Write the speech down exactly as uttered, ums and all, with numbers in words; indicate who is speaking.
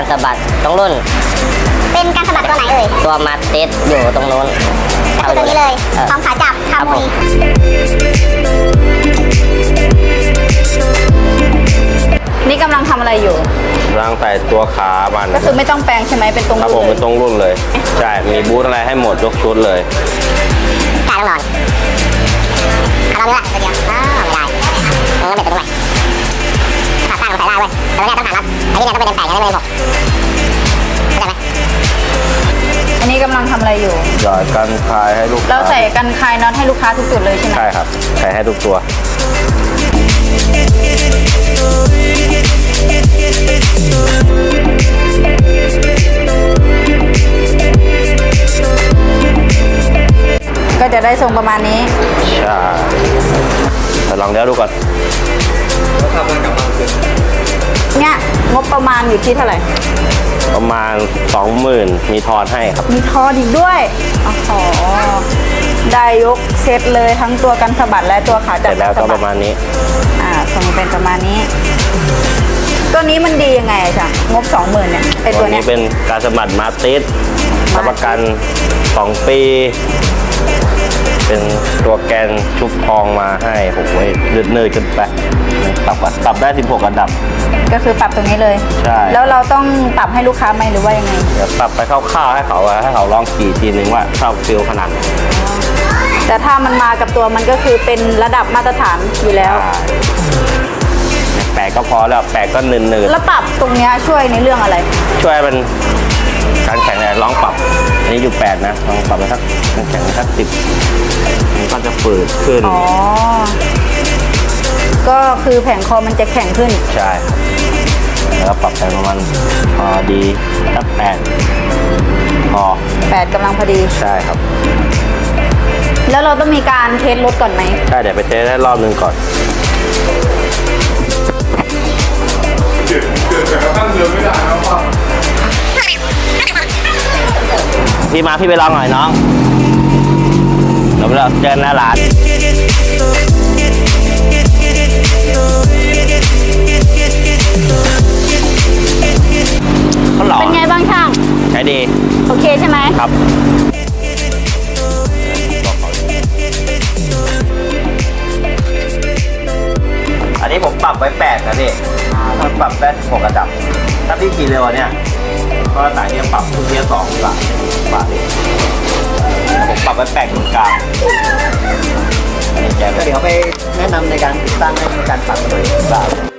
Speaker 1: สะบัดตรงรุ่น
Speaker 2: เป็นการสะบัดตัวไหนเอ่ย
Speaker 1: ตัวมาติดอยู่ตรงนู้น
Speaker 2: ก็คือตัวนี้เลยพร้อมขาจับคามุย
Speaker 3: นี่กำลังทำอะไรอยู่
Speaker 4: กำลังใส่ตัวขามัน
Speaker 3: ก็คือไม่ต้องแปลงใช่ไหมเป็นตรง
Speaker 4: ครับผม
Speaker 3: รุ่นเล
Speaker 4: เป็น
Speaker 3: ย
Speaker 4: ตรงรุ่นเลยใช่มีบูทอะไรให้หมดยกชุดเลย
Speaker 2: กายต้องนอนเอาเราเนื้อตัวเดียวอ้าวไม่ได้เออเบ็ดตัวด้วยขาตั้งใส่ได้เว้ยแต่ตัวเนี้ยต้องหารัดอันนี้เนี่ยต้องเป็นแปลงยังไม่เป็นหกเข้าใจไหม
Speaker 3: อันนี้กำลังทำอะไรอยู่
Speaker 4: หยอดกันคลายให้ลูกค้า
Speaker 3: เราใส่กันคลายน็อตให้ลูกค้าทุกจุดเลยใช่ไหม
Speaker 4: ใช่ครับใส่ให้ทุกตัว
Speaker 3: ก็จะได้ทรงประมาณนี้
Speaker 4: ใช่แต่ลองเลี้ยวดูก่อน
Speaker 3: เนี่ยงบประมาณอยู่ที่เท่าไหร่
Speaker 4: ประมาณ สองหมื่น มีทอนให้ครับ
Speaker 3: มีทอนอีกด้วยอ๋อได้ยกเซตเลยทั้งตัวกันสะบัดและตัวขาจับ
Speaker 4: เสร็จแล้วก็ประมาณนี้
Speaker 3: อ่าทรงเป็นประมาณนี้ตัวนี้มันดียังไงอะจ๊ะงบ สองหมื่น เนี่ยไอตัวนี้
Speaker 4: เป็นการสะบัดมาติสรับประกันสองปีเป็นตัวแกนชุบทองมาให้ผมไว้ยืดเนื้อขึ้นไปปรับปรับได้สิบหกระดับ
Speaker 3: ก็คือปรับตรงนี้เลย
Speaker 4: ใช่
Speaker 3: แล้วเราต้องปรับให้ลูกค้าไหมหรือว่ายังไง
Speaker 4: เดี๋ยวปรับไปคร่าวๆให้เขาให้เขาลองขี่ทีนึงว่าชอบฟิลขนาดไหน
Speaker 3: แต่ถ้ามันมากับตัวมันก็คือเป็นระดับมาตรฐานอยู่แล้ว
Speaker 4: แปะก็พอแล้วแปะก็เนินๆ
Speaker 3: แล้วปรับตรงนี้ช่วยในเรื่องอะไร
Speaker 4: ช่วยมันการแข่งเนี่ยลองปรับอันนี้อยู่แปดนะลองปรับไปสักการแข่งสักสิบมันก็จะฝืดขึ้น
Speaker 3: อ๋อก็คือแผงคอมันจะแข็งขึ้น
Speaker 4: ใช่แล้วก็ปรับไปประมาณพอดีสักแปดพอ
Speaker 3: แปดกำลังพอดี
Speaker 4: ใช่ครับ
Speaker 3: แล้วเราต้องมีการเทสรถก่อนไหม
Speaker 4: ใช่เดี๋ยวไปเทสได้รอบนึงก่อน
Speaker 5: เกิดเกิดแต่กระทั่งเดินไม่ได้แล้วป่ะ
Speaker 4: พี่มาพี่ไปลองหน่อยน้องเดี๋ยวเราเจอหน้าร้าน
Speaker 3: เป็นไงบ้างช่าง
Speaker 4: ใช้ดี
Speaker 3: โอเคใช่ไหม
Speaker 4: ครับอันนี้ผมปรับไว้แปดนะพี่มันปรับได้หกระดับถ้าพี่ขี่เร็วเนี่ยก็สายนี้ปรับทุกเทียร์สองบาทบาทเองผมปรับไว้แปดตรงกลางอันนี้แกเดี๋ยวไปแนะนำในการติดตั้งให้การปรับเลยบาท